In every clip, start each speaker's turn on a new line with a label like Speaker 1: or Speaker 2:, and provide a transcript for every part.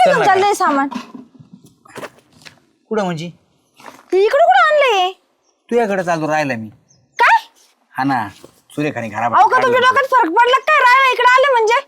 Speaker 1: घेऊन चाललंय सामान?
Speaker 2: कुठं म्हणजे
Speaker 1: इकडे कुठं आणलंय?
Speaker 2: तुझ्याकडे चालतो राहिला मी.
Speaker 1: काय?
Speaker 2: हा ना, सुरेखाने खराब
Speaker 1: अहो का तुमच्या डोक्यात फरक पडला काय? राहिला इकडे आले म्हणजे?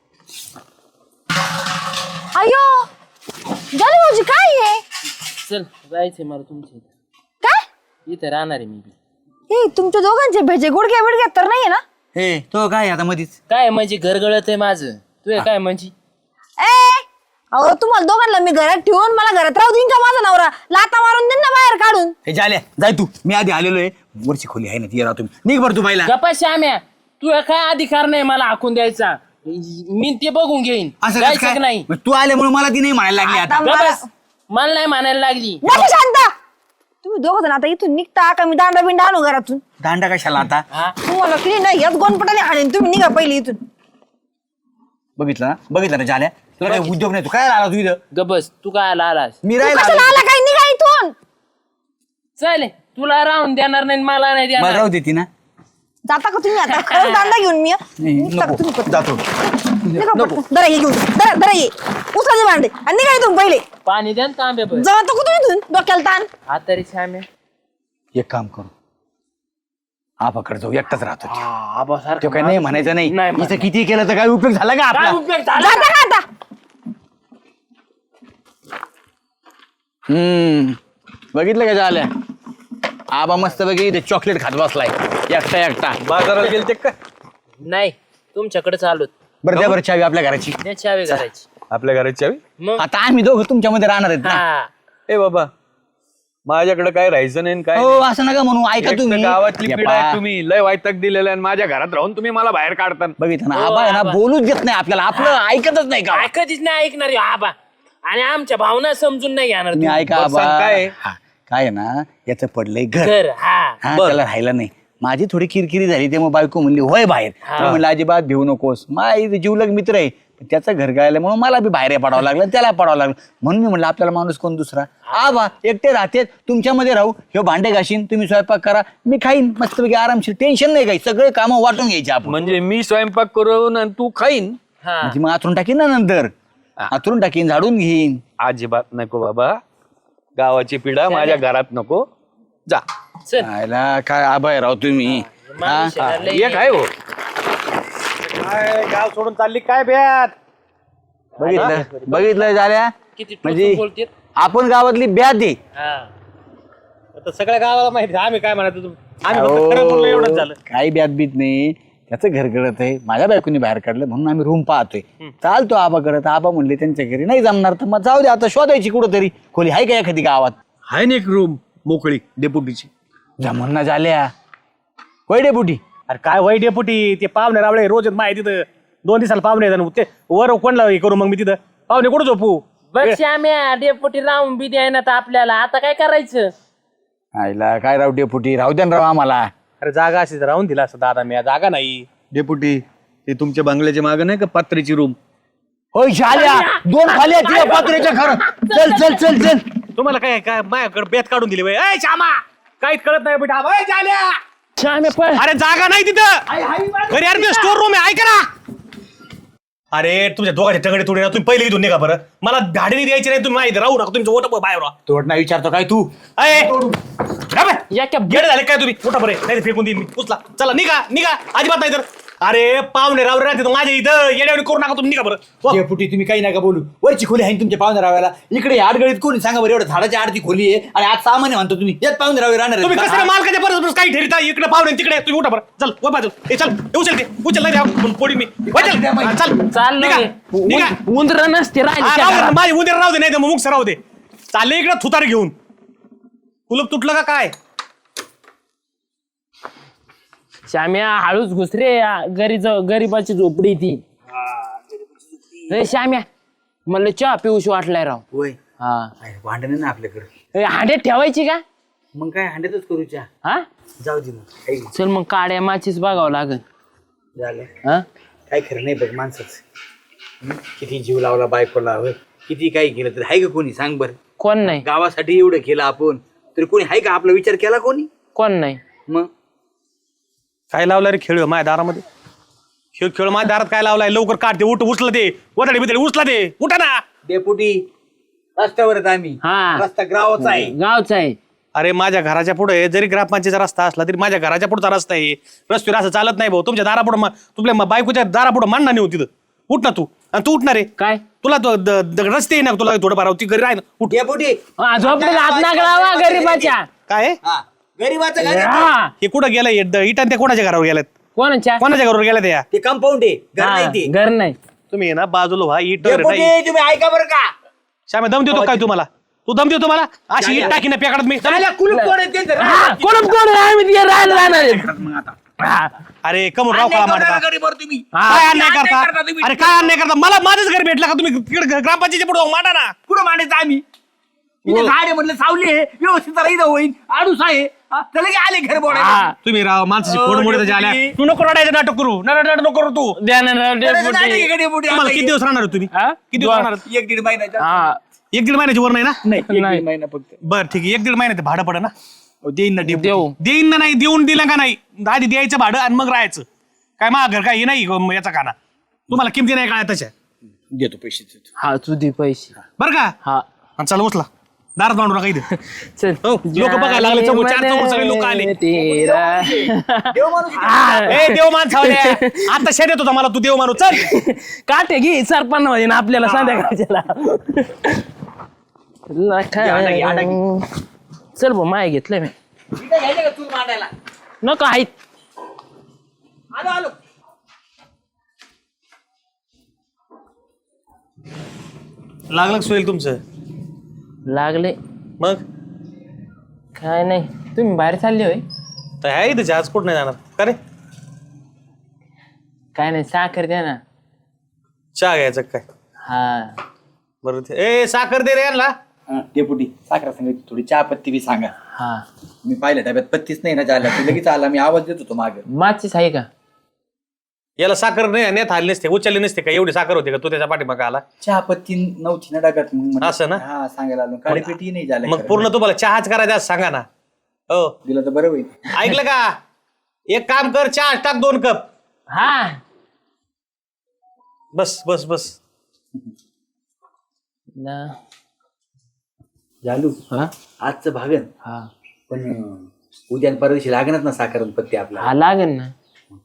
Speaker 1: अयो झालं भाऊजी काय आहे?
Speaker 3: चल जायचंय मला तुमच्या इथं.
Speaker 1: काय
Speaker 3: इथे राहणार आहे मी बी.
Speaker 1: हे तुमच्या दोघांचे भेजे गुडघे बिडघे तर नाहीये ना?
Speaker 2: हे तो काय आता मधीच
Speaker 3: काय म्हणजे घर गळत आहे माझं. तू काय म्हणजे
Speaker 1: ए अहो तुम्हाला दोघांना मी घरात ठेवून मला घरात राहू देईन का माझा नवरा? लाता मारून देईन ना बाहेर काढून.
Speaker 2: हे झाल्या जाय तू, मी आधी आलेलो आहे. वरची खोली आहे ना ती राहतो मी. निघ बरं तू बाईला.
Speaker 3: गप्पा श्याम्या तू काय अधिकार नाही मला हाकून द्यायचा. मी ते बघून घेईन.
Speaker 2: असं कसं
Speaker 3: जायचं
Speaker 2: काय?
Speaker 3: की नाही
Speaker 2: मग तू आल्यामुळे मला ती नाही म्हणायला लागली आता.
Speaker 1: आता
Speaker 3: गप्प बस. मला नाही म्हणायला लागली.
Speaker 1: नाही शांत. तुम्ही दोघ जण आता इथून निघता का मी दांडा बिंडा आणू घरातून?
Speaker 2: दांडा कशाला आता?
Speaker 3: हा
Speaker 1: तुम्हाला किती नाही याच गोनपटाने हाणेन. तुम्ही निघा पहिले इथून.
Speaker 2: बघितलं ना झाल्या, तुला काही उद्योग नाही. तू काय आला तू इथं?
Speaker 3: गबस तू काय आलास.
Speaker 2: मी
Speaker 1: तू
Speaker 2: राहिला
Speaker 1: कशाला आला काय? निघा इथून.
Speaker 3: चल तुला राहून देणार नाही मला नाही
Speaker 2: मला
Speaker 3: देणार.
Speaker 2: राहू देती ना.
Speaker 1: जाता का तुम्ही आता? खरंच दांडा घेऊन मी निघता का तुम्ही पटकन?
Speaker 2: जातो.
Speaker 1: निघा पटकन. दरा ये घेऊन दरा ये उचला भांडे आणि निघा इथून पहिले.
Speaker 3: पाणी द्या ना तांबे पण.
Speaker 1: जाता का तुम्ही इथून? डोक्याला ताण.
Speaker 3: हा तरी श्याम्या
Speaker 2: एक काम करू, आपाकडे जाऊ. एकटाच राहतो तो.
Speaker 3: आबा
Speaker 2: तो
Speaker 3: सारखं
Speaker 2: काय नाही म्हणायचं नाही.
Speaker 3: नाही
Speaker 2: इथं किती केलं तर काय उपयोग झाला का
Speaker 3: काय
Speaker 2: आपला?
Speaker 3: उपयोग झाला?
Speaker 1: जाता का आता?
Speaker 2: बघितलं का झाल्या? आबा मस्त बघी इथे चॉकलेट खात बसलाय एकटा.
Speaker 4: बाजाराला गेलते का
Speaker 3: नाही तुमच्याकडे चालूत.
Speaker 2: बरं द्या बरं चावी आपल्या घराची.
Speaker 3: त्या चावी करायची
Speaker 4: आपल्या घराची चावी?
Speaker 3: मग
Speaker 2: आता आम्ही दोघं तुमच्यामध्ये राहणार आहेत ना.
Speaker 3: हा
Speaker 4: ए बाबा, माझ्याकडे काय राहायचं नाही काय
Speaker 2: हो असं नका म्हणू. ऐका
Speaker 4: एक तर
Speaker 2: तुम्ही.
Speaker 4: गावातली
Speaker 2: या
Speaker 4: पिढा आहे
Speaker 2: पहा.
Speaker 4: तुम्ही. लय वायतक दिलेलं आहे माझ्या घरात राहून तुम्ही मला बाहेर काढता.
Speaker 2: बघितलं ना,
Speaker 3: हो,
Speaker 2: आबा आहे ना
Speaker 3: आबा.
Speaker 2: बोलूच देत नाही आपल्याला. आपलं ऐकतच नाही का?
Speaker 3: कधीच नाही ऐकणार ह्यो आबा. आणि आमच्या भावना समजून नाही घेणार
Speaker 2: तुम्ही
Speaker 3: तू.
Speaker 2: ऐका
Speaker 4: बरं,
Speaker 2: आबा.
Speaker 4: सांग काय आहे?
Speaker 2: हा, काय आहे ना, याचं पडलंय घर.
Speaker 3: कर हा
Speaker 2: हा,
Speaker 4: बरं.
Speaker 2: त्याला राहिलं नाही. माझी थोडी किरकिरी झाली तेव्हा बायको म्हणली होय बाहेर. तर म्हणलं अजिबात भिवू नकोस. माझा जीवलग मित्र आहे. पण त्याचं घर गायल्यामुळे मला बी बाहेर पडावं लागलं, त्याला पडावं लागलं. म्हणून मी म्हणलं आपल्याला माणूस कोण दुसरा. आबा एकटे राहते, तुमच्यामध्ये राहू. हे भांडे घाशीन, तुम्ही स्वयंपाक करा, मी खाईन मस्तपैकी आरामशीर. टेन्शन नाही काही. सगळे कामं वाटून घ्यायचे आपण.
Speaker 4: म्हणजे मी स्वयंपाक करून आणि तू खाईन?
Speaker 3: हा
Speaker 2: म्हणजे मग आतरून टाकीन ना नंतर. आतरून टाकीन, झाडून घेईन.
Speaker 4: अजिबात नको बाबा. गावाची पिढा माझ्या घरात नको. जा.
Speaker 3: चल
Speaker 2: आयला काय आबा आहे राव तुम्ही.
Speaker 3: माणूस आहे ना, लय
Speaker 4: एक आहे हो.
Speaker 5: गाव सोडून चालली काय ब्यात?
Speaker 2: बघितलं झाल्या.
Speaker 3: किती
Speaker 2: म्हणजे
Speaker 3: टोचून बोलतेत.
Speaker 2: आपण गावातली ब्याद आहे.
Speaker 3: हा
Speaker 5: आता सगळ्या गावाला माहिती आहे. आम्ही काय म्हणायचो आम्ही फक्त खरं बोललो एवढंच झालं.
Speaker 2: काही ब्याद बीत नाही. त्याचं घर गळत आहे. माझ्या बायकोनी बाहेर काढलं म्हणून आम्ही रूम पाहतोय. चालतो आबा करत. आबा म्हणले त्यांच्या घरी नाही जमणार तर मग जाऊ दे आता शोधायची कुठंतरी खोली आहे का एखादी गावात.
Speaker 4: आहे ना एक रूम मोकळी डेपुटीची.
Speaker 2: जमून ना झाल्या होय डेपुटी.
Speaker 5: अरे काय वाईट डेपुटी. ते पाहुणे रावळे रोज येत माहिती तिथं 2 दिवसाला पाहुणे येतात. ते वर कोणला हे करू मग मी तिथं पाहुणे कुठं झोपू?
Speaker 3: बघ श्याम्या डेपुटी राहून बी द्याय ना तर आपल्याला आता काय करायचं.
Speaker 2: आईला काय राव डेपुटी, राहू द्या ना राव आम्हाला.
Speaker 5: अरे जागा अशी राहून दिला असं दादा. मी जागा नाही.
Speaker 4: डेपुटी ते तुमच्या बंगल्याच्या मागे नाही का पत्र्याची रूम?
Speaker 2: होय झाल्या 2 खाल्या तिला पात्रेच्या खरं. चल चल चल चल.
Speaker 5: तुम्हाला काय काय माझ्याकडे बेत काढून दिली बाई. ए श्यामा काहीच कळत नाही बेटा. अय, झाल्या.
Speaker 3: श्याम्या पण
Speaker 5: अरे जागा नाही तिथं. घरी अरे स्टोर रूम आहे. ऐका ना. अरे तुमच्या दोघांचे टगडे तुडे ना. तुम्ही पहिले इथून निघा बरं. मला भाडे द्यायची नाही. तुम्ही माहिती राहू नका. तुमचं ओट बाहेर राहा.
Speaker 2: तोड नाही विचारतो काय तू.
Speaker 5: गेडे झाले काय तुम्ही? उठा बरे नाही फेकून देईन मी. उचला चला निघा निघा. अजिबात नाही तर. अरे पाहुणे रावरे राहते माझ्या इथं. येड्यावणी करू नका तुम्ही. निघा बरं.
Speaker 2: डेपुटी तुम्ही काही नका बोलू. वरची खोली आहे तुमच्या पाहुणे राहायला. इकडे आडगळीत कोणी सांगा बरं. एवढं झाडाच्या आडती खोली आहे आणि आज सामान्य म्हणतो तुम्ही. यात पाहुणे राहावे राहणार
Speaker 5: तुम्ही
Speaker 2: आहेत
Speaker 5: कसं
Speaker 2: का?
Speaker 5: मालकाच्या परस्पर काही ठेवता. इकडे पाहुणे तिकडे. तुम्ही उठा बरं. चल वर बाजू. ए चल उचल ते. उचल नाही द्या पोडी मी. वर चल. हा, चल
Speaker 3: चाललंय
Speaker 5: निघा.
Speaker 3: उंदर नसते
Speaker 5: हा,
Speaker 3: राहिले
Speaker 5: राहू दे. माझी उद्या राहू दे. नाही तर मग मुक्स राहू दे. चालले इकडे थुतार घेऊन. कुलप तुटलं का काय?
Speaker 3: श्याम्या हळूच घुसरे. गरीबाची झोपडी ती. रे श्याम्या मला चहा पिऊशी वाटलाय राव.
Speaker 2: होय
Speaker 3: हा
Speaker 2: भांडण ना आपल्याकडे.
Speaker 3: हांड्यात ठेवायची का?
Speaker 2: मग काय हांड्यातच करूच्या.
Speaker 3: हा
Speaker 2: जाऊ दे मग काही
Speaker 3: चल मग काड्या माचीच बघावं लागल.
Speaker 2: झालं.
Speaker 3: हा
Speaker 2: काय खरं नाही बघ माणसाच. किती जीव लावला बायकोला. होय किती काही केलं तर आहे का कोणी सांग बरं.
Speaker 3: कोण नाही
Speaker 2: गावासाठी एवढं केलं आपण तरी कोणी आहे का आपला विचार केला कोणी.
Speaker 3: कोण नाही.
Speaker 2: मग
Speaker 5: काय लावलाय रे खेळ माझ्या दारामध्ये? खेळ माझ्या दारात काय लावलाय? लवकर काढते. उठ उचला ते. वडाडे बिदडे उचला ते. उठा ना.
Speaker 2: डेपुटी रस्त्यावर आहेत आम्ही.
Speaker 3: हा.
Speaker 2: रस्ता गावाचा आहे.
Speaker 3: गावचा आहे.
Speaker 5: अरे माझ्या घराच्या पुढे जरी ग्रामपंचायतीचा रस्ता असला तरी माझ्या घराच्या पुढचा रस्ता आहे. रस्त्यावर असं चालत नाही भाऊ. तुमच्या दारापुढं तुमच्या बायकोच्या दारापुढं मांडणार नाही होती. उठ ना तू. आणि तू उठणार आहे
Speaker 3: काय
Speaker 5: तुला रस्ते आहे ना तुला थोडंफार होती घरी राह ना. उठ.
Speaker 2: डेपुटी
Speaker 3: झोपडीला हात नागळावा गरीबाच्या.
Speaker 5: काय
Speaker 2: गरीबाचं घर आहे.
Speaker 3: हा.
Speaker 5: हे कुठं गेलं इटान त्या कोणाच्या घरावर गेल्यात
Speaker 3: कोणाच्या
Speaker 5: कोणाच्या घरावर गेल्या त्या
Speaker 2: ते कंपाऊंड आहे घर नाही ते.
Speaker 3: घर नाही.
Speaker 5: तुम्ही ना बाजूला व्हा इट
Speaker 2: डेपुटी तुम्ही ऐका बरं का
Speaker 5: श्यामे दम देतो काय तुम्हाला तू दम देतो मला अशी इट टाकी ना पेकाडत मी
Speaker 2: कुलूप कोण आहे त्यांचं?
Speaker 3: कोण आहे? आम्ही तिथे राहायला जाणार आहे.
Speaker 5: अरे कमून राव
Speaker 2: अन्याय
Speaker 5: का
Speaker 2: करता
Speaker 5: मारता
Speaker 2: का गरीबावर तुम्ही?
Speaker 5: काय अन्याय करता
Speaker 2: करता तुम्ही?
Speaker 5: अरे काय अन्याय करता मला माझंच घर भेटलं का तुम्ही तिकडे ग्रामपंचायतीच्या पुढे मांडा ना.
Speaker 2: कुठं मांडायचं आम्ही इथे झाड आहे म्हटलं सावली आहे व्यवस्थित राहिलं होईल आडूस आहे त्याला की आले घर बोलायला
Speaker 5: तुम्ही राव माणसाची
Speaker 2: ओ,
Speaker 5: फोड मोडे
Speaker 2: डेपुटी.
Speaker 5: आल्या तू नको रडायचं नाटक करू नाटक नको करू तू
Speaker 3: द्या ना
Speaker 2: डेपुटी
Speaker 5: तुम्हाला किती दिवस राहणार तुम्ही
Speaker 3: हा?
Speaker 5: किती दिवस राहणार
Speaker 2: 1-1.5 महिन्याचा
Speaker 3: हा.
Speaker 5: 1-1.5 महिन्याची वर नाही ना
Speaker 2: नाही
Speaker 3: नाही.
Speaker 2: 1-1.5 महिना फक्त
Speaker 5: बरं ठीक आहे 1-1.5 महिन्यात भाडं पडे ना देईन ना डेपुटी.
Speaker 3: देऊ.
Speaker 5: देईन ना नाही देऊन दिलं का नाही आधी द्यायचं भाडं आणि मग राहायचं काय मा घर काय हे नाही याचा काना तुम्हाला किमती नाही काय तशा
Speaker 2: देतो पैसे देतो.
Speaker 3: हा तू दे पैसे.
Speaker 5: बरं का
Speaker 3: हा
Speaker 5: आणि चला उचला दारात मांडू नका इथे
Speaker 3: चल.
Speaker 5: लोक बघायला लागले चौक सगळे लोक आले
Speaker 3: तेरा.
Speaker 2: देव माणूस
Speaker 5: ए देव मान सावल्या आता शेत येत होता मला तू देव मानू चल
Speaker 3: काटे घे सरपन्न मध्ये ना आपल्याला संध्याकाळच्याला. चल भाऊ माय घेतलंय मी.
Speaker 2: इथं घ्यायचं का तू मांडायला
Speaker 3: नको आहेत.
Speaker 2: आलो आलो
Speaker 5: लागलं सोयील तुमचं
Speaker 3: लागले
Speaker 5: मग
Speaker 3: काय नाही तुम्ही बाहेर चालले होय.
Speaker 5: तर आहे इथे जहाज कुठं नाही जाणार का रे
Speaker 3: काय नाही साखर द्या ना.
Speaker 5: चहा घ्यायचं काय
Speaker 3: हा
Speaker 5: बरं ए साखर दे रे यांना
Speaker 2: डेपुटी साखरा सांगायची थोडी चहा पत्ती बी सांगा
Speaker 3: हा
Speaker 2: मी पाहिलं डब्यात पत्तीच नाही ना चालला तू लगेच आला मी आवाज देत होतो मागे
Speaker 3: माचीस आहे का.
Speaker 5: याला साखर नाही नेत आली नसते उचलली नसते का एवढी साखर होती का तू त्याच्या पाठीमागे आला
Speaker 2: चहा पत्ती नव्हती ना डब्यात मग म्हणलं,
Speaker 5: असं ना?
Speaker 2: हा सांगायला आलो काळी पेटी नाही झालं
Speaker 5: मग पूर्ण तुम्हाला चहाच करायचा असं सांगा ना हो
Speaker 2: दिला तर बरं होईल
Speaker 5: ऐकलं का एक काम कर चहा टाक 2 कप
Speaker 3: हा
Speaker 5: बस बस बस
Speaker 3: ना.
Speaker 2: झालू
Speaker 3: हा
Speaker 2: आजचं भागन
Speaker 3: हा
Speaker 2: पण उद्या आणि परवा दिवशी लागणार ना साखर आणि पत्ती आपल्याला
Speaker 3: हा लागेल ना.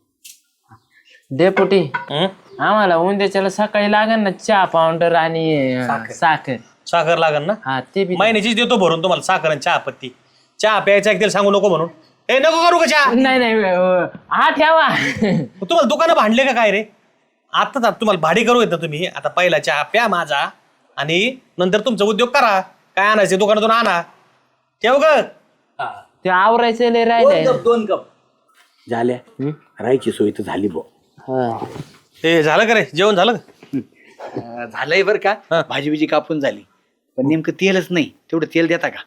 Speaker 3: डेपुटी
Speaker 5: हं?
Speaker 3: आम्हाला उद्याच्याला सकाळी लागेल ना चहा पावडर आणि साखर.
Speaker 5: साखर लागन ना
Speaker 3: हा ते बी
Speaker 5: महिन्याचीच देतो भरून तुम्हाला साखर आणि चहा पत्ती चहा प्यायचा एक सांगू नको म्हणून ए नको करू का चहा
Speaker 3: नाही नाही हा ठेवा.
Speaker 5: तुम्हाला दुकानं भांडले का काय रे आताच तुम्हाला भाडी करू येत तुम्ही आता पहिला चहा प्या माझा आणि नंतर तुमचा उद्योग करा काय आणायचे दुकानातून आणा ठेव ग
Speaker 3: ते आवरायचं लय राहिलंय.
Speaker 2: 2 कप झाल्या राहायची सोय तर झाली बो
Speaker 3: हा.
Speaker 5: ते झालं का रे जेवण झालं का
Speaker 2: झालंय बरं का भाजी बिजी कापून झाली पण नेमकं तेलच नाही तेवढं तेल देता का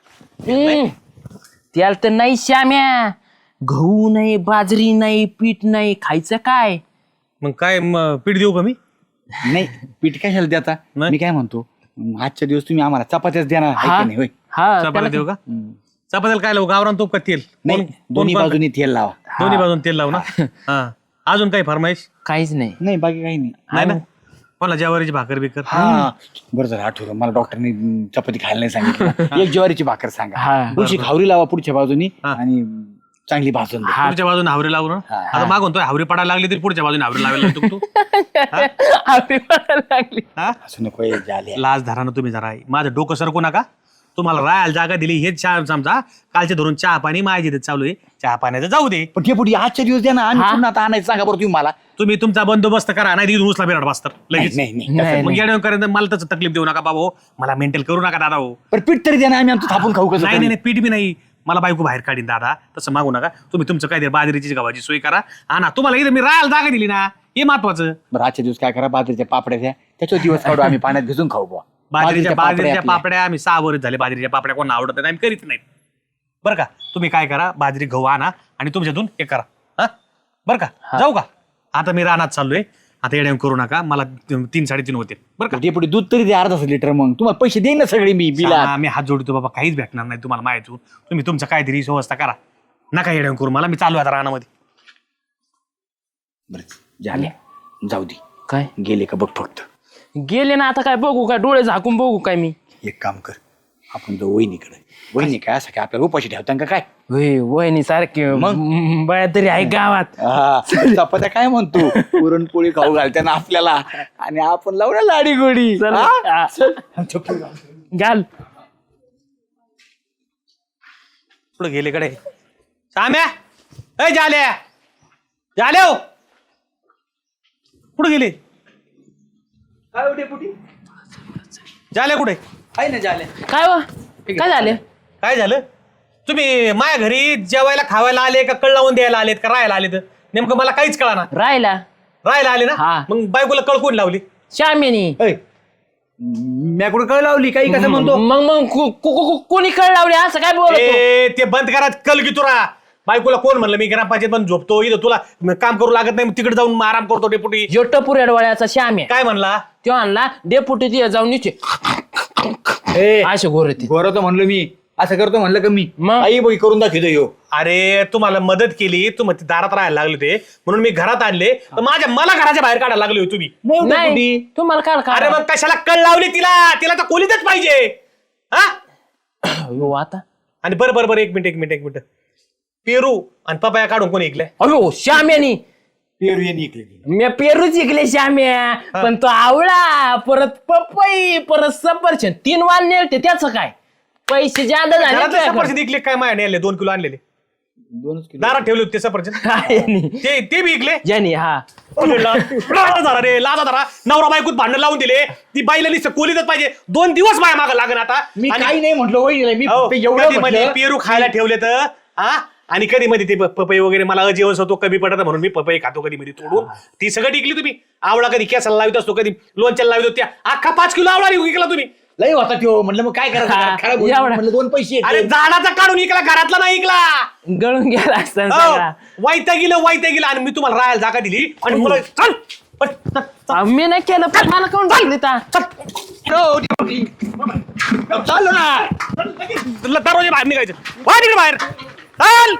Speaker 3: त्याला तर नाही श्याम्या. गहू नाही बाजरी नाही पीठ नाही खायचं काय.
Speaker 5: मग काय पीठ देऊ का मी
Speaker 2: नाही पीठ कशाला देता
Speaker 5: नाही.
Speaker 2: मी काय म्हणतो आजच्या दिवस तुम्ही आम्हाला चपात्याच देणार आहे
Speaker 3: हा
Speaker 2: की नाही होय
Speaker 3: हा
Speaker 5: चपात्या देऊ का चपात्याला काय लावू गावरान तूप का तेल
Speaker 2: नाही दोन्ही बाजूनी तेल लावा
Speaker 5: दोन्ही बाजून तेल लावू ना हा अजून काही फरमाईश
Speaker 3: काहीच नाही.
Speaker 2: नाही बाकी काही नाही
Speaker 5: नाही ना कोणाला ज्वारीची भाकर बिकर
Speaker 2: हा बरं झालं आठवलं मला डॉक्टरने चपाती खायला नाही सांगितलं एक ज्वारीची भाकर सांगा
Speaker 3: हा.
Speaker 2: पुढची खावरी लावा पुढच्या बाजूनी
Speaker 5: हा.
Speaker 2: आणि चांगली भाजून द्या.
Speaker 5: पुढच्या बाजूने हावरी लावू ना आता मागून तो हावरी पडायला लागली तरी पुढच्या बाजूने हावरी लावायला लागतो तू
Speaker 3: आपली पडायला लागली.
Speaker 5: हा
Speaker 2: असं नको हे झाले
Speaker 5: लाज धरा ना तुम्ही जरा माझं डोकं सरकू नका तुम्हाला राहायला जागा दिली हेच चहा समजा कालचे धरून चहा पाणी माझ्या इथे चालू आहे चहा पाण्याचं जाऊ दे
Speaker 2: पण ते पुढे आजच्या दिवस द्या ना आम्ही पुन्हा आता आणायचं सांगा बरं तुम्ही मला
Speaker 5: तुम्ही तुमचा बंदोबस्त करा नाही तिथून उचला बिराड बसतात लगेच
Speaker 2: नाही नाही
Speaker 3: नाही,
Speaker 5: मग
Speaker 3: नाही.
Speaker 5: येड्यावर करेन मला त्याचं तकलीफ देऊ नका बाबा हो. मला मेंटेल करू नका दादा हो
Speaker 2: पण पीठ तरी द्या ना आम्ही आमचं थापून खाऊ कसं
Speaker 5: नाही नाही पीठ बी नाही मला बायको बाहेर काढीन दादा तसं मागू नका तुम्ही तुमचं काय बाजरीची गव्हाची सोय करा ना तुम्हाला इथं मी राहायला जागा दिली ना हे महत्वाचं
Speaker 2: बरं आजच्या दिवस काय करा बाजरीच्या पापड्या द्या त्याच्यावर दिवस काढू आम्ही पाण्यात भिजून खाऊ बुवा
Speaker 5: बाजरीच्या
Speaker 2: आपल्या.
Speaker 5: पापड्या आम्ही 6 वर्ष झाले बाजरीच्या पापड्या कोणा आवडत नाही आम्ही करीत नाहीत बरं का तुम्ही काय करा बाजरी गहू आणा आणि तुमच्यातून हे करा हा बरं का जाऊ का आता मी रानात चाललोय आता येड्या करू नका मला 3-3.5 होते बरं का
Speaker 2: ते पुढे दूध तरी द्या अर्धा लिटर मग तुम्हाला पैसे देईन ना सगळे मी बिला
Speaker 5: आम्ही हात जोडतो बाबा काहीच भेटणार नाही तुम्हाला माहिती तुम्ही तुमचं काहीतरी व्यवस्था करा नका येड्या करू मला मी चालू आता रानामध्ये
Speaker 2: बरं झाले जाऊ दे
Speaker 3: काय
Speaker 2: गेले का बघ फक्त
Speaker 3: गेले ना आता काय बघू काय डोळे झाकून बघू काय मी
Speaker 2: एक काम कर, आपण जो वहिनीकडे, वहिनी काय असं काय आपल्याला उपाशी ठेवता का काय?
Speaker 3: वहिनी सारखे
Speaker 2: मग?
Speaker 3: बाया तरी आहे गावात.
Speaker 2: चपात्या काय म्हणतो, पुरणपोळी खाऊ घालते ना आपल्याला, आणि आपण लावू ना लाडी गोडी.
Speaker 3: चल.
Speaker 2: हा?
Speaker 3: घाल.
Speaker 5: पुढे गेले कडे साम्या, ए झाल्या झाल्या कुठे गेले?
Speaker 2: काय होते पुटी?
Speaker 5: झाल्या कुठे?
Speaker 2: आहे ना झाले.
Speaker 3: काय वा काय झाले?
Speaker 5: काय झालं? तुम्ही माझ्या घरी जेवायला खावायला आले का कळ लावून द्यायला आलेत का राहायला आलेत? नेमकं मला काहीच कळा
Speaker 3: राहिला
Speaker 5: राहायला आले ना.
Speaker 3: हा.
Speaker 5: मग बायकोला कळ कोण लावली?
Speaker 3: श्यामेनी.
Speaker 2: मी कुठं कळ लावली काही कसं म्हणतो?
Speaker 3: मग कोणी कळ लावली असं काय बोलतो?
Speaker 5: ए, ते बंद करा कल की तुरा. बायकोला कोण म्हणलं मी ग्रामपंचायत पण झोपतो इथं, तुला काम करू लागत नाही, तिकडे जाऊन आराम करतो डेपुटी.
Speaker 3: जो टपुऱ्या डोळ्याचा श्याम आहे
Speaker 5: काय म्हणला?
Speaker 3: तो आणला डेपुटी तिथे जाऊन निचे असे गोरती.
Speaker 2: बरं तर म्हणलं मी असं करतो म्हणलं का मी
Speaker 3: मग?
Speaker 2: आई बघी करून दाखवतो यो.
Speaker 5: अरे तुम्हाला मदत केली, तुम्ही दारात राहायला लागले ते म्हणून मी घरात आणले, तर मला घराच्या बाहेर काढायला लागले हो तुम्ही.
Speaker 3: नाही तुम्हाला काय
Speaker 5: अरे मग कशाला कळ लावली तिला? तिला तर खोलीतच पाहिजे. हा
Speaker 3: आता
Speaker 5: आणि बरं एक मिनिट पेरू आणि पपाया काढून कोणी ऐकलंय?
Speaker 3: अयो श्याम्यानी.
Speaker 2: पेरू हे निघले.
Speaker 3: मी पेरूच इकले श्याम्या, पण तो आवळा परत पपई परत सफरचंद 3 वाल नेलते. त्याचं काय पैसे जादा झाले
Speaker 5: घरातले
Speaker 3: तुझ्याकडे.
Speaker 5: सफरचंद ऐकले काय? माया आणले 2 किलो आणलेले,
Speaker 2: 2 किलो.
Speaker 5: दारात ठेवले होते ते सफरचंद.
Speaker 3: काय नाही.
Speaker 5: ते बी ऐकले?
Speaker 3: ज्यानी हा
Speaker 5: लाजा रे लाजा धरा. नवरा बायकोत भांडण लावून दिले, ती बाईला नुसतं कोलीतच पाहिजे. 2 दिवस माया मागं लागन आता.
Speaker 2: मी
Speaker 5: आणि-
Speaker 2: काही नाही म्हटलं वहिनीला, मी
Speaker 5: हो,
Speaker 2: फक्त एवढं
Speaker 5: कधी मध्ये
Speaker 2: म्हटलं.
Speaker 5: पेरू खायला ठेवले तर हा, आणि कधी मध्ये ते पपई वगैरे मला अजीवस होतो, कमी पडत म्हणून मी पपई खातो कधी मध्ये तोडून. ती सगळं टिकली तुम्ही. आवळा कधी केसाला लावित असतो, कधी लोणच्याला लावित होत्या. अख्खा 5 किलो आवळा विकला तुम्ही.
Speaker 2: लई होता त्यो, म्हटलं मग काय करायचं,
Speaker 3: हा,
Speaker 2: खराब होईल.
Speaker 3: एवढा.
Speaker 2: म्हटलं 2 पैसे
Speaker 5: अरे
Speaker 2: येतील.
Speaker 5: झाडाचा काढून इकला, घरातला नाही इकला.
Speaker 3: गळून गेला असता सगळा.
Speaker 5: वाईता गेलं आणि मी तुम्हाला राहायला जागा दिली आणि मला चल पण, चल, चल,
Speaker 3: मी नाही केलं पण मला कोण टाकली ता?
Speaker 2: चाललो ना.
Speaker 5: तुला दरवाजे बाहेर निघायचं. वा तिकडे बाहेर चल.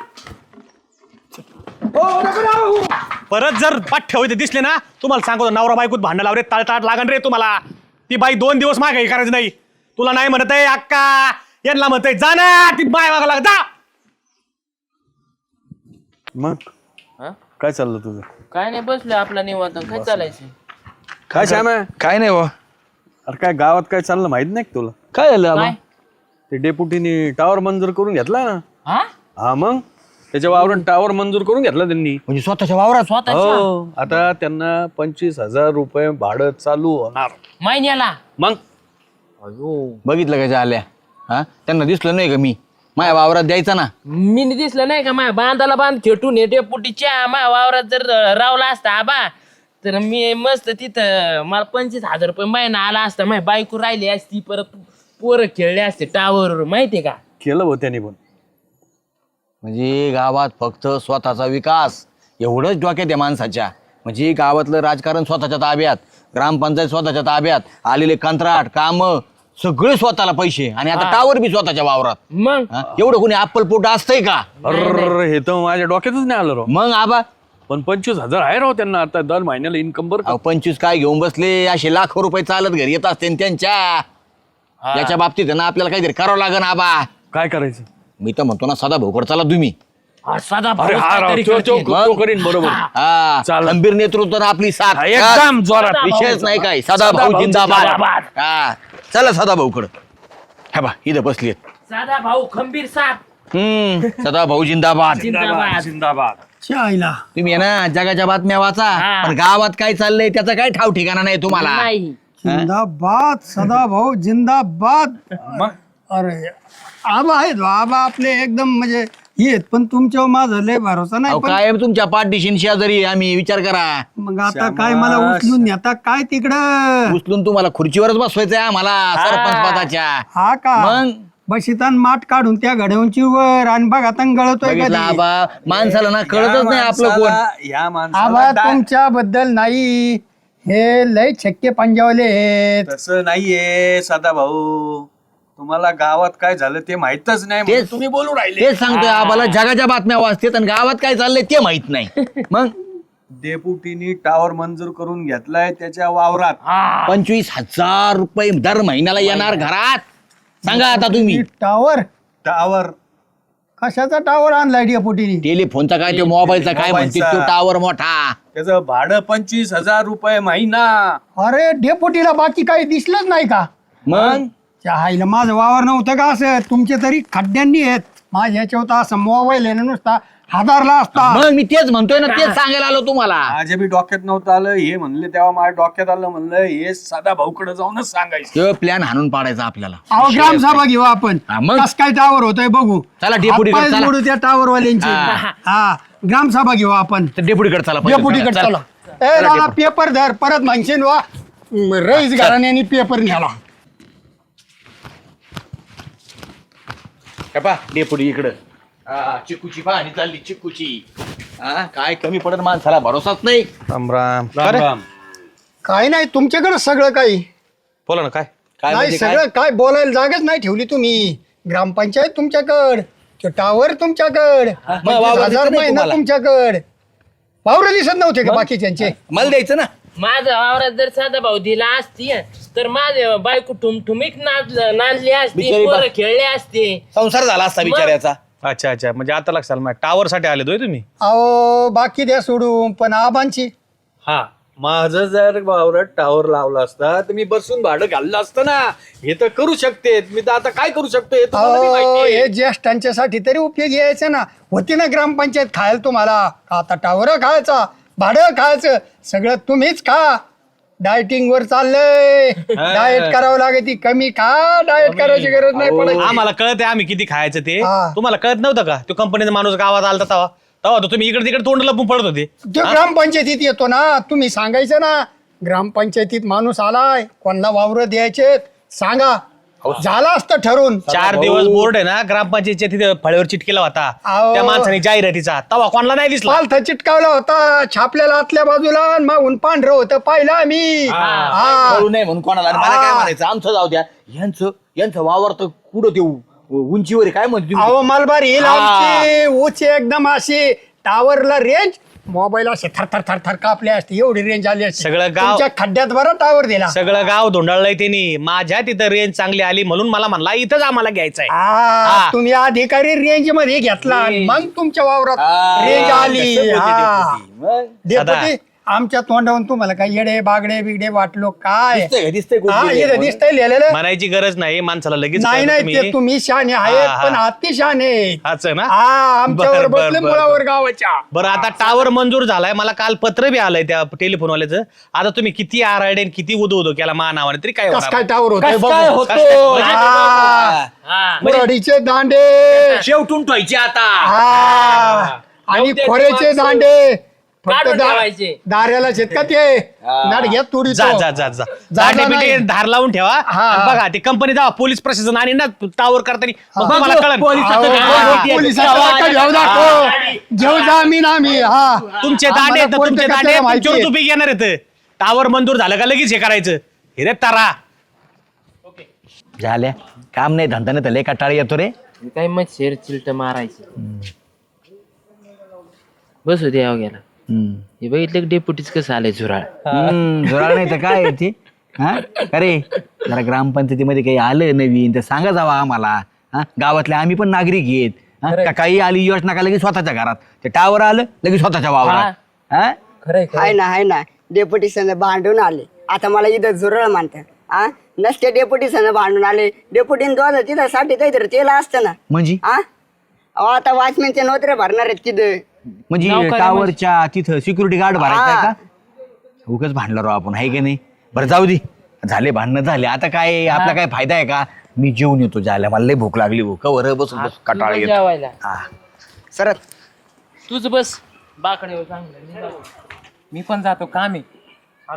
Speaker 5: परत जर पाठ ठेवायचे दिसले ना, तुम्हाला सांगतो नवरा बायकोत भांडण लावरे, ताळताट लागण रे तुम्हाला. ती बाई 2 दिवस मागे काही करायचं नाही. तुला नाही म्हणत आहे अक्का, यांना म्हणत आहे जा ना, ती बाय मागा लाग जा.
Speaker 4: मग काय चाललं तुझं?
Speaker 3: काय नाही बसलो आपला निवांत. काय चालायचं?
Speaker 4: काय श्याम आहे?
Speaker 2: काय नाही वा.
Speaker 4: अरे काय गावात काय चाललं माहित नाही का तुला?
Speaker 2: काय झालं आबा?
Speaker 3: काय?
Speaker 4: ते डेप्युटीने टावर मंजूर करून घेतला ना.
Speaker 3: हा
Speaker 4: हा मग त्याच्या वावरून टावर मंजूर करून घेतला त्यांनी.
Speaker 2: म्हणजे स्वतःच्या वावरात?
Speaker 3: स्वतःच्या
Speaker 4: हो, आता त्यांना 25,000 रुपये भाडं चालू होणार.
Speaker 3: महिन्याला.
Speaker 4: मग
Speaker 2: बघितलं का आल्या? हा, त्यांना दिसलं नाही का मी माझ्या वावरात द्यायचा ना.
Speaker 3: मी दिसलं नाही का माझ्या बांधाला बांध खेटून येते पुटीच्या माझ्या वावरात जर रावला असता आबा तर मी मस्त तिथं मला 25,000 रुपये महिना आला असता. माझी बायको राहिली असती, परत पोरं खेळले असते टावर, माहितीये का?
Speaker 4: केलं हो त्यांनी पण.
Speaker 2: म्हणजे गावात फक्त स्वतःचा विकास एवढंच डोक्यात आहे माणसाच्या. म्हणजे गावातलं राजकारण स्वतःच्या ताब्यात, ग्रामपंचायत स्वतःच्या ताब्यात, आलेले कंत्राट काम सगळे स्वतःला पैसे, आणि आता टावर बी स्वतःच्या वावरात.
Speaker 3: मग
Speaker 2: हा? एवढं कोणी अप्पलपोट असतंय का?
Speaker 4: अरे हे तर माझ्या डोक्यातच नाही आलं राव.
Speaker 2: मग आबा
Speaker 4: पण 25,000 आहे राव त्यांना आता दर महिन्याला इन्कम. बरं का?
Speaker 2: 25 काय घेऊन बसले, असे लाखो रुपये चालत घरी येत असते त्यांच्या. याच्या बाबतीत आहे ना आपल्याला काहीतरी करावं लागेल आबा.
Speaker 4: काय करायचं?
Speaker 2: मी तर म्हणतो ना सदा भाऊकड चला तुम्ही.
Speaker 3: हा, साधा भाऊ
Speaker 4: अरे हा राव,
Speaker 3: काहीतरी
Speaker 4: तो
Speaker 3: करतील.
Speaker 4: तो करीन बरोबर.
Speaker 2: हा,
Speaker 4: चालेल.
Speaker 2: खंबीर नेतृत्व ना आपली साथ.
Speaker 4: हा, एकदम जोरात.
Speaker 2: विषयच नाही काय. सदा भाऊ जिंदाबाद. हा, चला सदा भाऊकड. हा बा इथं बसली.
Speaker 3: साधा भाऊ खंबीर साथ
Speaker 2: सदा भाऊ जिंदाबाद.
Speaker 3: जिंदाबाद.
Speaker 4: जिंदाबाद.
Speaker 2: तुम्ही आहे ना जगाच्या बातम्या वाचा,
Speaker 3: हा.
Speaker 2: पण गावात काय चाललंय त्याचा काय ठाव ठिकाणा नाही तुम्हाला.
Speaker 3: नाही
Speaker 6: जिंदाबाद सदा भाऊ जिंदाबाद. अरे आबा आहेत बा, आबा आपले एकदम म्हणजे येत, पण तुमच्यावर माझा लय भरोसा नाही.
Speaker 2: अहो,
Speaker 6: पण
Speaker 2: काय तुमच्या पाठदिशीन शेजारी आम्ही विचार करा.
Speaker 6: मग आता काय मला उचलून नेता काय तिकडं?
Speaker 2: उचलून तुम्हाला खुर्चीवरच बसवायचंय आम्हाला सरपंच पदाच्या.
Speaker 6: हा का
Speaker 2: मग
Speaker 6: बशितान माठ काढून त्या घडवूनची वर आणि बघा गळतोय
Speaker 2: बघितलं
Speaker 6: कधी.
Speaker 2: आबा, माणसाला ना कळतच नाही आपलं कोण.
Speaker 4: या
Speaker 6: आबा
Speaker 4: माणसाला
Speaker 6: तुमच्या बद्दल नाही, हे लय छक्के पंजावले आहेत.
Speaker 4: तसं नाहीये सदा भाऊ. तुम्हाला गावात काय झालं ते माहितच नाही म्हणून
Speaker 2: तेच
Speaker 4: तुम्ही बोलू राहिले.
Speaker 2: तेच सांगतोय आम्हाला, जगाच्या बातम्या वाचतेत आणि गावात काय चाललंय ते माहित नाही. मग
Speaker 7: डेपुटीनी टावर मंजूर करून घेतलाय त्याच्या वावरात.
Speaker 2: 25,000 रुपये दर महिन्याला येणार घरात. सांगा आता तुम्ही.
Speaker 6: टावर
Speaker 7: टावर
Speaker 6: कशाचा टावर आणलाय डेपुटीनी?
Speaker 2: टेलिफोनचा काय ते मोबाईलचा काय म्हणते तो टावर मोठा.
Speaker 7: त्याचं भाडं 25,000 रुपये महिना.
Speaker 6: अरे डेपुटीला बाकी काही दिसलंच नाही का?
Speaker 2: मग
Speaker 6: त्या आईला माझं वावर नव्हतं का असं? तुमचे तरी खड्ड्यांनी आहेत. माझ्या ह्याच्यावर तर असं मोबाईल आहे ना नुसता हादारला असता.
Speaker 2: मग मी तेच म्हणतोय ना, तेच सांगायला आलो तुम्हाला.
Speaker 7: माझ्या बी डोक्यात नव्हतं आलं. हे म्हणले तेव्हा माझ्या डोक्यात आलं. म्हणलं हे साधा भाऊकडे जाऊनच सांगायचं.
Speaker 2: तो प्लॅन हाणून पाडायचा आपल्याला.
Speaker 6: अहो ग्रामसभा घेऊ आपण.
Speaker 2: हा, मग?
Speaker 6: कस काय टावर होतोय बघू.
Speaker 2: चला, डेपुटीकडे
Speaker 6: हातपाय
Speaker 2: चला.
Speaker 6: जोडू त्या टावर वाल्यांची.
Speaker 2: हा.
Speaker 6: हा ग्रामसभा घेऊ आपण.
Speaker 2: डेपुटीकडे चला पहिले.
Speaker 6: डेपुटीकडे चला.
Speaker 2: चला,
Speaker 6: ए दादा
Speaker 2: डेपुटी.
Speaker 6: पेपर धर परत म्हणशील वा रईस घराण्यानी पेपर न्याला.
Speaker 2: डेपुटी इकडं. चिकूची पाहणी चालली चिकूची. काय कमी पडत माणसाला भरोसाच नाही.
Speaker 5: राम राम.
Speaker 7: राम राम.
Speaker 6: काय नाही तुमच्याकडे सगळं काही
Speaker 5: बोला ना काय.
Speaker 2: काय
Speaker 6: नाही
Speaker 2: म्हणजे काय?
Speaker 6: सगळं काय बोलायला जागाच नाही ठेवली तुम्ही. ग्रामपंचायत तुमच्याकड, तो टावर तुमच्याकड,
Speaker 2: मग वावर दिसत
Speaker 6: 25,000
Speaker 2: नाही
Speaker 6: महिना
Speaker 2: तुम्हाला?
Speaker 6: तुमच्याकड. वावर दिसत नव्हते का बाकीच्यांचे?
Speaker 2: मला द्यायचं ना.
Speaker 3: माझा वावरात जर साधा भाऊ दिला असती तर माझे बायको ठुमठुमीक नांदली असती,
Speaker 2: बिचारी
Speaker 3: पोरं खेळले असते.
Speaker 2: संसार झाला असता बिचाऱ्याचा.
Speaker 5: अच्छा अच्छा, म्हणजे आता लक्षात आलं टावर साठी आले दोय तुम्ही.
Speaker 6: अहो बाकी द्या सोडून पण आबांची.
Speaker 7: हा माझं जर वावरात टावर लावला असता तर मी बसून भाडं घाललं असतं ना. हे तर करू शकते. मी तर आता काय करू शकतो हे तुम्हाला बी
Speaker 6: अहो
Speaker 7: माहिती आहे.
Speaker 6: हे ज्येष्ठांच्यासाठी तरी उपयोगी यायचं ना. होती ना ग्रामपंचायत खायला तुम्हाला. आता टावर खायचा, भाडं खायचं, सगळं तुम्हीच खा. डायटिंग वर चाललंय. डाएट करावं लागते. कमी खा, डाएट करायची गरज नाही पडत.
Speaker 5: आम्हाला कळत आहे आम्ही किती खायचं ते.
Speaker 6: हा.
Speaker 5: तुम्हाला कळत नव्हतं का? तो कंपनीचा माणूस गावात आलता तेव्हा तेव्हा तो तुम्ही इकडे तिकडे तोंड लपून पडत होते.
Speaker 6: तो ग्रामपंचायतीत येतो ना. तुम्ही सांगायचं ना ग्रामपंचायतीत माणूस आलाय, कोणाला वावर द्यायचे सांगा. झालं असतं ठरवून.
Speaker 5: 4 दिवस बोर्ड आहे ना ग्रामपंचायतच्या तिथे फळ्यावर चिटकेला होता.
Speaker 6: अहो.
Speaker 5: त्या माणसाने जाहिरातीचा तवा कोणाला नाही दिसला.
Speaker 6: पालथा चिटकावला होता छापलेला आतल्या बाजूला आणि मागून पांढरं होतं पाहिलं आम्ही. हा.
Speaker 2: कळू नाही म्हणून कोणाला. आणि मला काय म्हणायचं, आमचं जाऊ द्या. यांचं वावर तर कुठं ते उंचीवर आहे. काय म्हणते तुम्ही?
Speaker 6: अहो मलबार हिल आमची उंची एकदम अशी टावरला रेंज मोबाईल असे थर थर थर थर कापले असते. एवढी रेंज आली असते.
Speaker 5: सगळं गाव-
Speaker 6: तुमच्या खड्ड्यात बरं टावर दिला.
Speaker 5: सगळं गाव धोंडाळलंय त्यांनी. माझ्या तिथं रेंज चांगली आली म्हणून मला म्हणला इथंच आम्हाला घ्यायचंय.
Speaker 6: हा, तुम्ही अधिकारी रेंज मध्ये घेतला आणि मग तुमच्या वावरात रेंज आली.
Speaker 2: कसं बोलते
Speaker 6: हा.
Speaker 2: डेपुटी? मग
Speaker 6: डेपुटी आमच्या तोंडावरून तुम्हाला काय येडे बागडे बिगडे वाटलो काय?
Speaker 2: दिसतंय का? दिसतंय
Speaker 6: हा
Speaker 2: कुठे?
Speaker 6: इथं दिसतंय लिहिलेलं.
Speaker 5: म्हणायची गरज नाही माणसाला लगेच
Speaker 6: नाही
Speaker 5: कळतं
Speaker 6: नाही ते तुम्ही शहाणे आहेत
Speaker 5: हा, हा.
Speaker 6: पण अति शहाणे.
Speaker 5: असं ना.
Speaker 6: हा आमच्यावर
Speaker 5: बरं, बरं,
Speaker 6: बसले
Speaker 5: बरं,
Speaker 6: मुळावर गावाच्या.
Speaker 5: बरं आता टावर मंजूर झालाय. मला काल पत्र बी आलंय त्या टेलिफोनवाल्याचं. आता तुम्ही किती आरडे किती उदो उदो केला मा नावाने तरी काय
Speaker 6: कस
Speaker 5: होणार?
Speaker 6: काय टावर होतोय
Speaker 2: कसं
Speaker 6: बघू.
Speaker 2: काय होतो?
Speaker 6: हा.
Speaker 3: हा.
Speaker 6: मुरडीचे दांडे
Speaker 2: शेवटून ठेवायची आता.
Speaker 6: हा. आणि
Speaker 3: नवद्याची
Speaker 6: खोऱ्याचे
Speaker 3: माणसं.
Speaker 6: दांडे फक्त
Speaker 3: काढून ठेवायचे.
Speaker 6: दाऱ्याला शेत का ते नाट घेत तुडी
Speaker 5: जा जा जा जा
Speaker 6: जा
Speaker 5: बिटे
Speaker 6: नाही.
Speaker 5: धार लावून ठेवा.
Speaker 6: हा.
Speaker 5: आणि बघा ते कंपनी जावा पोलीस प्रशासन आणि ना टावर करताना मग तुम्हाला कळलं.
Speaker 6: घेऊ जा आम्ही ना आम्ही. हा
Speaker 5: तुमचे दांडे
Speaker 6: आम्हाला
Speaker 5: आहेत ना,
Speaker 6: कोणतं
Speaker 5: तुमचे
Speaker 6: कसं
Speaker 5: दांडे आहेत,
Speaker 6: माहिती
Speaker 5: तुमच्यावर
Speaker 6: आहे.
Speaker 5: तुपी घेणार आहेत. टावर मंजूर झालं का लगेच हे करायचं. हे रे तारा
Speaker 2: झाल्या काम नाही धंदा नाही तर लय कटाळी येतो रे.
Speaker 3: काय मग शेर चिलट मारायचं. बसू दे यावं गेला. हे बघितलं की डेपुटीच कसं आलंय झुराळ.
Speaker 2: जोराळ नाही तर काय आहे ते. हा अरे जरा ग्रामपंचायतीमध्ये काही आलं नवीन तर सांगा जावा आम्हाला. हा गावातले आम्ही पण नागरिक आहेत. हा? का काही आली योजना का लगेच स्वतःच्या घरात ते टावर आलं लगेच स्वतःच्या वावरात. हा
Speaker 8: हाय ना डेप्युटी संघ भांडून आले. आता मला इथं झुरळ मानतात. आ नसते डेप्युटी संघ भांडून आले. डेप्युटीन दोन तिथं साठी काहीतरी तेल असतं ना.
Speaker 2: म्हणजे
Speaker 8: आ अहो आता वॉचमॅनचे नोकऱ्या भरणार आहेत तिथं.
Speaker 2: म्हणजे टावरच्या तिथं सिक्युरिटी गार्ड भरायचा का? उगाच भांडलो राव आपण आहे की नाही. बरं जाऊ दे झाले भांडणं झाले. आता काय आपला काय फायदा आहे का? मी जेवून येतो जायला. मला लय भूक लागली. भूक बस बस कटाळ येतो.
Speaker 3: जेवायला
Speaker 8: सरत
Speaker 3: तूच बस बाकडे चांगलं. मी पण जातो काम आहे.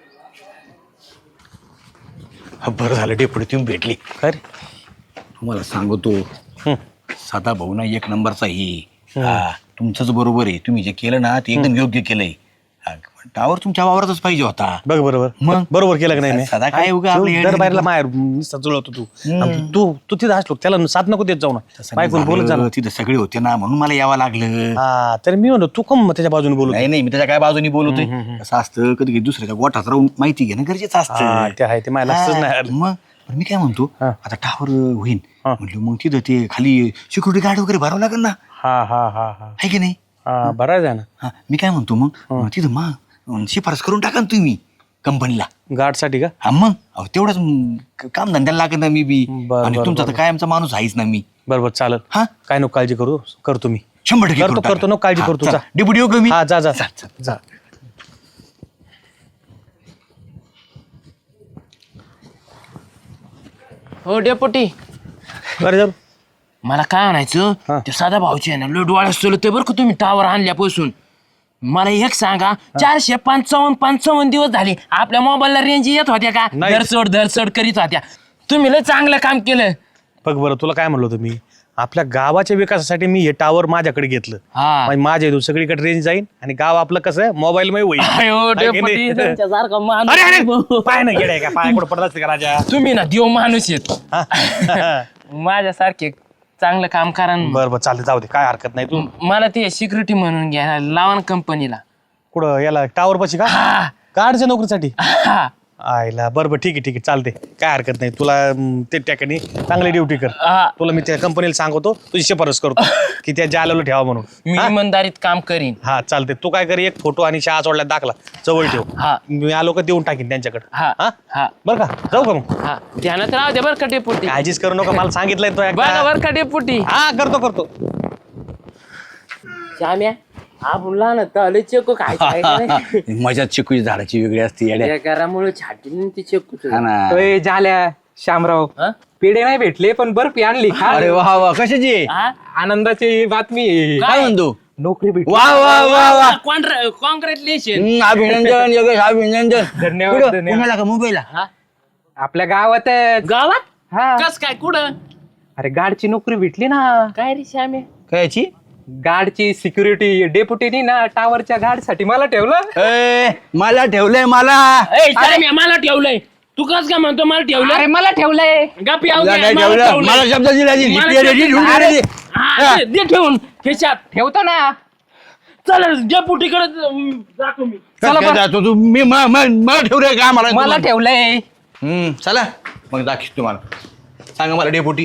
Speaker 2: बरं झालं डेपुटी तुम्ही भेटली.
Speaker 5: काय रे?
Speaker 2: तुम्हाला सांगतो साधा भाऊ ना एक नंबरचा ही. तुमचंच बरोबर आहे. तुम्ही जे केलं ना ते एकदम योग्य केलंय. टावर तुमच्या वावरातच पाहिजे होता.
Speaker 5: बघ बरोबर
Speaker 2: मग?
Speaker 5: बरोबर केलं का नाही मी?
Speaker 2: सदा काय उगा आपलं येडं
Speaker 5: दर बाहेरला माहेर नुसता जुळवतो तू आणि तू तू तिथं असलो त्याला साथ नको देत जाऊ ना. बायकोला बोलत जा ना.
Speaker 2: तिथं सगळे होते ना म्हणून मला यावं लागलं.
Speaker 5: हा तर मी म्हणतो तू कम त्याच्या बाजूने बोलू.
Speaker 2: नाही नाही, मी त्याच्या काय बाजूनी बोलतोय. कसं असतं कधी कधी दुसऱ्याच्या गोठात राहून माहिती घेणं गरजेचं असतं.
Speaker 5: ते आहे ते मला लक्षच नाही आलं.
Speaker 2: मग पण मी काय म्हणतो,
Speaker 5: हा.
Speaker 2: आता टावर होईन म्हटलं मग तिथं ते खाली सिक्युरिटी गार्ड वगैरे भरावं लागेल ना,
Speaker 5: हा हा हा हा
Speaker 2: आहे की नाही?
Speaker 5: हा बराच आहे ना.
Speaker 2: हा, मी काय म्हणतो मग तिथं मग शिफारस करून टाका ना तुम्ही कंपनीला.
Speaker 5: गार्डसाठी का?
Speaker 2: हा मग अहो, तेवढंच काम धंद्याला लागत ना मी बी.
Speaker 5: बरं,
Speaker 2: आणि
Speaker 5: बरं,
Speaker 2: तुमचा तर कायमचा माणूस आहेच ना मी.
Speaker 5: बरोबर चालेल.
Speaker 2: हा
Speaker 5: काय नको काळजी करू करतो मी
Speaker 2: 100%
Speaker 5: करतो करतो नको काळजी करतो. जा
Speaker 2: डिप्युटी येऊ का मी?
Speaker 5: हा जा जा
Speaker 2: चल, चल.
Speaker 5: जा.
Speaker 3: हो डेपुटी,
Speaker 5: बरं जाऊ.
Speaker 3: मला काय आणायचं ते साधा भाऊचे आहे ना लय डोळ्यात चलते बरं का तुम्ही टावर आणल्यापासून. मला एक सांगा 455 दिवस झाले आपल्या मोबाईलला रेंज येत होत्या का?
Speaker 5: नाही.
Speaker 3: धरसड करीत होत्या. तुम्ही लय चांगलं काम केलं.
Speaker 5: बघ बरं तुला काय म्हणलो तुम्ही आपल्या गावाच्या विकासासाठी मी हे टावर माझ्याकडे घेतलं.
Speaker 3: हा.
Speaker 5: म्हणजे माझ्या इथून सगळीकडे रेंज जाईल आणि गाव आपलं कसं आहे मोबाईल मध्ये होईल.
Speaker 3: अयो,
Speaker 5: आहे की
Speaker 3: डेपुटी,
Speaker 5: नाही?
Speaker 3: तुमच्यासारखा
Speaker 5: अरे अरे
Speaker 3: माणूस.
Speaker 5: पाय नाही गेलाय का पाय कुठं पडत असते का राजा?
Speaker 3: तुम्ही ना देव माणूस येत
Speaker 5: हा.
Speaker 3: माझ्यासारखे चांगलं काम करा न.
Speaker 5: बरं बरं चालते जाऊ दे काय हरकत नाही. तू
Speaker 3: मला ते सिक्युरिटी म्हणून घ्या लावा ना कंपनीला.
Speaker 5: कुठं याला टावर पाशी का
Speaker 3: हा.
Speaker 5: गाडच्या नोकरीसाठी
Speaker 3: हा.
Speaker 5: आयला बरं बरं ठीक आहे ठीक आहे चालते काय हरकत नाही. तुला ते ठिकाणी चांगली ड्युटी कर.
Speaker 3: हा.
Speaker 5: तुला मी त्या कंपनीला सांगतो तुझी शिफारस करतो की त्या जालेला ठेवा म्हणून.
Speaker 3: मी
Speaker 5: हा?
Speaker 3: इमानदारीत काम करीन.
Speaker 5: हा चालते. तू काय कर एक फोटो आणि शाळा सोडल्यात दाखला जवळ ठेव.
Speaker 3: हा.
Speaker 5: मी आलो का देऊन टाकीन त्यांच्याकडे.
Speaker 3: हा.
Speaker 5: हा
Speaker 3: हा.
Speaker 5: बरं का जाऊ का मग?
Speaker 3: हा. ध्यानात राहू दे बरं का डेपुटी.
Speaker 5: काळजीच करू नका मला सांगितलंय तो
Speaker 3: बघा
Speaker 5: एकदा.
Speaker 3: बरं का डेपुटी.
Speaker 5: हा करतो करतो.
Speaker 3: श्याम्या आपण लहान लय चेको खायचं
Speaker 2: मजा चिकूची झाडाची वेगळी असते येड्या.
Speaker 3: घरामुळे छाटी ती चेकूच.
Speaker 2: हा ना.
Speaker 9: अय, झाल्या श्यामराव पेढे नाही भेटले पण बर्फी आणली खा.
Speaker 2: अरे वा वा कशाची
Speaker 9: आनंदाची बातमी आहे.
Speaker 2: काय म्हणतो?
Speaker 9: नोकरी भेटली.
Speaker 2: वा वा वा वा
Speaker 3: कॉंग्रॅच्युलेशन.
Speaker 2: अभिनंदन योगेश अभिनंदन.
Speaker 9: धन्यवाद,
Speaker 2: कुठं?
Speaker 9: धन्यवाद.
Speaker 2: पुण्याला का मुंबईला?
Speaker 9: आपल्या गावात
Speaker 3: गावात
Speaker 9: हा
Speaker 3: कस काय कुठं
Speaker 9: अरे गार्डची नोकरी भेटली ना.
Speaker 3: काय रे श्याम्या?
Speaker 2: कायची?
Speaker 9: गार्डची सिक्युरिटी डेप्युटीनी ना टावरच्या गार्ड साठी मला ठेवलं.
Speaker 2: ए, मला ठेवलंय मला.
Speaker 3: ए, श्याम्या, मला ठेवलंय. तू कस काय म्हणतो मला ठेवलं?
Speaker 9: अरे मला ठेवलंय.
Speaker 3: गप्पी
Speaker 2: तुला काय ठेवलं? मला शब्द दिला ती.
Speaker 3: मला
Speaker 2: लिपी रेडी, ढुंढी रेडी.
Speaker 3: दे ठेवून खिशात.
Speaker 9: ठेवतो ना.
Speaker 3: चल डेपुटीकडे जातो मी.
Speaker 2: चला काय जातो तू? मी मला ठेवलंय का
Speaker 9: मला ठेवलंय.
Speaker 2: चला मग दाखव तुम्हाला. सांगा मला डेपुटी.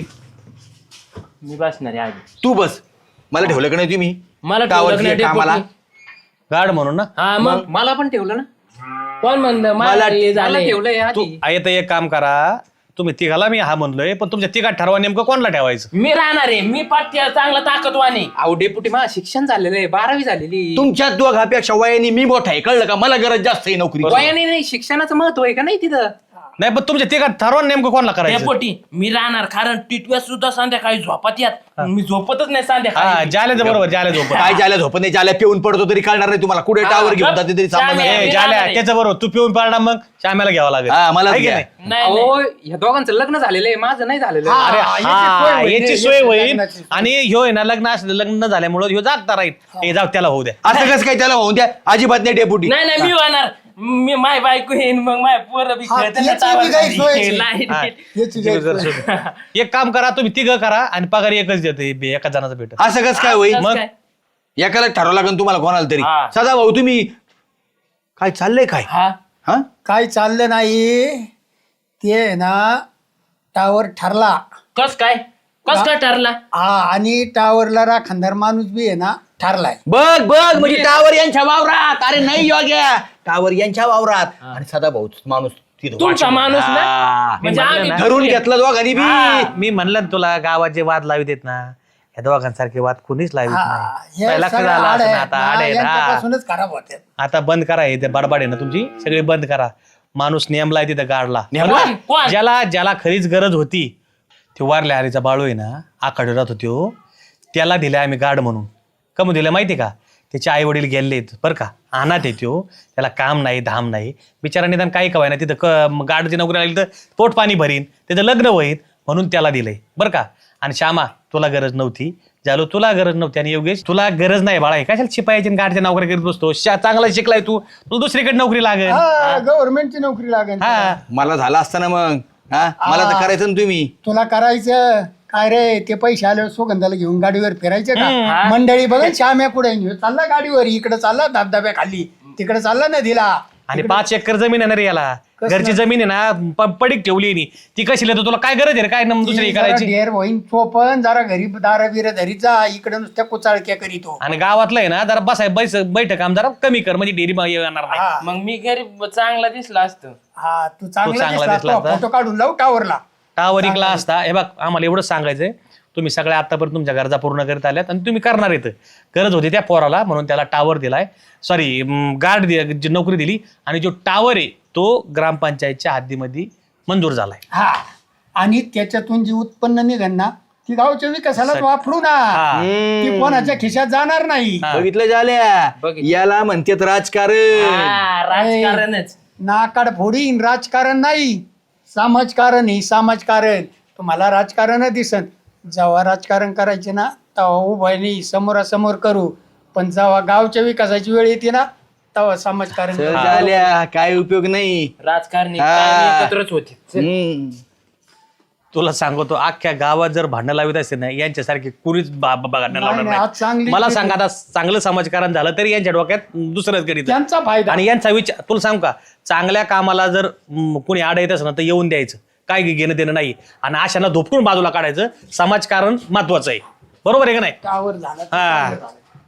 Speaker 3: मी बसणार आहे आधी.
Speaker 2: तू बस. मला ठेवलं का नाही तुम्ही?
Speaker 3: मला
Speaker 2: टावरची
Speaker 3: ठेवलं
Speaker 2: एक
Speaker 3: नाही
Speaker 2: कामाला.
Speaker 3: डेपुटी.
Speaker 5: गार्ड म्हणून ना.
Speaker 3: हा मग
Speaker 9: मला पण ठेवलं ना.
Speaker 3: कोण म्हणलं
Speaker 2: मला-
Speaker 3: मला हे
Speaker 9: मला
Speaker 3: झालंय.
Speaker 9: ठेवलंय
Speaker 5: तू
Speaker 9: आधी.
Speaker 5: आता एक काम करा तुम्ही तिघाला मी हा म्हणलोय पण तुमच्या तिघात ठरवा नेमकं कोणाला ठेवायचं.
Speaker 3: मी राहणार आहे. मी पाठ्य चांगला ताकदवाने.
Speaker 9: अहो डेप्युटी मला शिक्षण झालेलं आहे 12वी झालेली.
Speaker 2: तुमच्या दोघापेक्षा वयाने मी मोठा आहे कळलं का? मला गरज जास्त आहे नोकरी.
Speaker 9: वयाने नाही शिक्षणाचं महत्व आहे का नाही तिथं.
Speaker 5: नाही पण तुमच्या तिघात ठरवा नेमकं कोणाला करायचं.
Speaker 3: डेपुटी मी राहणार कारण टिटव्या सुद्धा संध्याकाळी झोपत यात. मी झोपतच नाही
Speaker 5: हा
Speaker 3: संध्याकाळी.
Speaker 5: जाल्याचं बरोबर जाल्या झोपत.
Speaker 2: काय ज्याला झोपत नाही, ज्याला पिऊन पडतो तरी कळणार नाही तुम्हाला. कुठे टावर घेऊन जाते तरी सांगणार
Speaker 3: चालेल.
Speaker 2: नाही.
Speaker 3: मी
Speaker 5: जाल्या
Speaker 3: राहणार आहे.
Speaker 5: त्याचं बरोबर तू पिऊन पाडा मग श्याम्याला घ्यावं लागेल.
Speaker 2: हा, मलाच
Speaker 5: आहे की
Speaker 2: घ्या.
Speaker 5: नाही?
Speaker 3: नाही नाही.
Speaker 9: अहो या दोघांचं लग्न झालेलं आहे माझं नाही झालेलं.
Speaker 5: अरे हा याची सोय होईल
Speaker 6: लग्नाची सोय.
Speaker 5: आणि ह्यो आहे ना लग्न झाल्यामुळे ह्यो जागता राहील. हे जाऊ त्याला होऊ द्या.
Speaker 2: असं कसं काय त्याला होऊन द्या? अजिबात नाही डेपुटी.
Speaker 3: नाही नाही मी होणार. मी माय बायको येईन मग माय पोरं बी
Speaker 6: हा,
Speaker 3: खेळताना
Speaker 6: याची
Speaker 3: टावर
Speaker 6: बी काही
Speaker 3: खाली.
Speaker 6: सोयच
Speaker 3: नाही,
Speaker 5: हा.
Speaker 3: नाही.
Speaker 6: याची गैरसोय.
Speaker 5: एक काम करा तुम्ही तिघं करा आणि पगार एकच देते एका जणाचा भेट.
Speaker 2: असं कसं काय होईल?
Speaker 3: कसं
Speaker 5: मग?
Speaker 3: काय?
Speaker 2: एकाला ठरवं लागेल तुम्हाला कोणाला तरी.
Speaker 3: हा.
Speaker 2: सदा भाऊ तुम्ही काय चाललंय काय?
Speaker 3: हा
Speaker 2: हा
Speaker 6: काय चाललं नाही ते ना टावर ठरला.
Speaker 3: कस काय ठरला?
Speaker 6: हा आणि टावरला राखणदार माणूस बी आहे ना ठरलाय.
Speaker 2: बघ बघ म्हणजे टावर यांच्या वावरात. अरे नाही योग्य टावर यांच्या वावरात आणि सदा भाऊ माणूस तिथं
Speaker 3: तुमचा
Speaker 2: वाचून.
Speaker 3: माणूस ना
Speaker 2: हा.
Speaker 3: म्हणजे
Speaker 5: मी
Speaker 3: आम्ही
Speaker 5: म्हणलं ना.
Speaker 2: धरून घेतलं दोघांनी बी.
Speaker 5: मी म्हणलं ना तुला गावात जे वाद लावित आहेत ना या दोघांसारखे वाद कोणीच लावित नाही.
Speaker 6: हे
Speaker 5: लक्ष
Speaker 6: सगळं
Speaker 5: झालं
Speaker 6: आड
Speaker 5: असं
Speaker 6: आहे.
Speaker 5: ना आता
Speaker 6: हा,
Speaker 5: आड आहेत, हा.
Speaker 6: यांच्यापासूनच खराब होते.
Speaker 5: आता बंद करा हे ते बडबड आहे ना तुमची सगळे बंद करा. माणूस नेमलाय तिथं गाडला.
Speaker 2: नेमला?
Speaker 3: कोण?
Speaker 5: ज्याला खरीच गरज होती ते वारल्या हरीचा बाळू आहे ना आखाडे राहत होतो त्याला दिलाय आम्ही गार्ड म्हणून. कम दिलं माहिती का? त्याचे आई वडील गेलेत बरं का अनाथ येतो त्याला काम नाही धाम नाही बिचारा निदान काही कवाय ना तिथं गार्डची नोकरी लागली तर पोट पाणी भरीन त्याचं लग्न होईल म्हणून त्याला दिलंय बरं का. आणि श्यामा तुला गरज नव्हती झालो तुला गरज नव्हती आणि योगेश तुला गरज नाही बाळा हे कशाला शिपायाची आणि गाडीच्या नोकरी करीत बसतो चांगला शिकलाय तू तुला दुसरीकडे नोकरी लागेल
Speaker 6: गव्हर्नमेंटची नोकरी लागेल
Speaker 5: हा
Speaker 2: मला झालं असताना मग हा मला तर करायचं ना तुम्ही.
Speaker 6: तुला करायचं काय रे ते पैसे आल्यावर सुगंधाला घेऊन गाडीवर फिरायचे का मंडळी बघा श्याम्या कुठे चालला गाडीवर इकडे चालला धबधब्या खाली तिकडे चालला नदीला
Speaker 5: आणि 5 एकर जमीन आहे ना रे याला घरची जमीन आहे ना पडीक ठेवली आहे नी. ती कशी लिहितो तुला काय गरज आहे रे काय दुसरी करायची
Speaker 6: ढेर होईन चोपन जरा घरी दारा बिर धरी जा इकडे नुसत्या कुचाळक्या करीतो
Speaker 5: आणि गावातलं आहे ना जरा बैठक काम जरा कमी कर म्हणजे डेअरी येणार नाही.
Speaker 3: मग मी घरी चांगला दिसला असतो.
Speaker 6: हा तू
Speaker 5: चांगला
Speaker 6: चांगला
Speaker 5: दिसला असता.
Speaker 6: फोटो काढून लावू टावरला
Speaker 5: टावर इकला असता हे बघ आम्हाला एवढंच सांगायचंय तुम्ही सगळ्या आतापर्यंत तुमच्या गरजा पूर्ण करत आल्यात आणि तुम्ही करणार येतं गरज होती त्या पोराला म्हणून त्याला टावर दिलाय सॉरी गार्ड जी नोकरी दिली आणि जो टावर आहे तो ग्रामपंचायतच्या हद्दीमध्ये मंजूर झालाय.
Speaker 6: हा आणि त्याच्यातून जी उत्पन्न निघेल ना ती गावच्या विकासालाच वापरू ना ती कोणाच्या खिशात जाणार नाही.
Speaker 2: बघितलं झाल्या याला म्हणतात राजकारण.
Speaker 3: राजकारणच
Speaker 6: नाकाड फोडीन राजकारण नाही समाजकारण ही समाजकारण तुम्हाला राजकारण दिसन जेव्हा राजकारण करायचे ना तेव्हा उभं नाही समोरासमोर करू पण जेव्हा गावच्या विकासाची वेळ येते ना तेव्हा समाजकारण करू.
Speaker 2: झाल्या काय उपयोग नाही.
Speaker 3: राजकारणी
Speaker 2: हा.
Speaker 3: कायम एकत्रच होते.
Speaker 2: हम्म.
Speaker 5: तुला सांगतो अख्ख्या गावात जर भांडणं लावित असेल ना यांच्यासारखे कुणीच भांडणं लावणार
Speaker 6: नाही, आज
Speaker 5: नाही.
Speaker 6: चांगली
Speaker 5: मला सांग आता चांगलं समाजकारण झालं तरी यांच्या डोक्यात दुसरंच करीत
Speaker 6: त्यांचा फायदा
Speaker 5: आणि यांचा विचार तुला सांग का चांगल्या कामाला जर कोणी आड येत असेल ना तर येऊन द्यायचं काय घेणं देणं नाही आणि अशांना धोपकून बाजूला काढायचं समाजकारण महत्वाचं आहे बरोबर आहे का नाही
Speaker 6: टावर झाला
Speaker 5: हा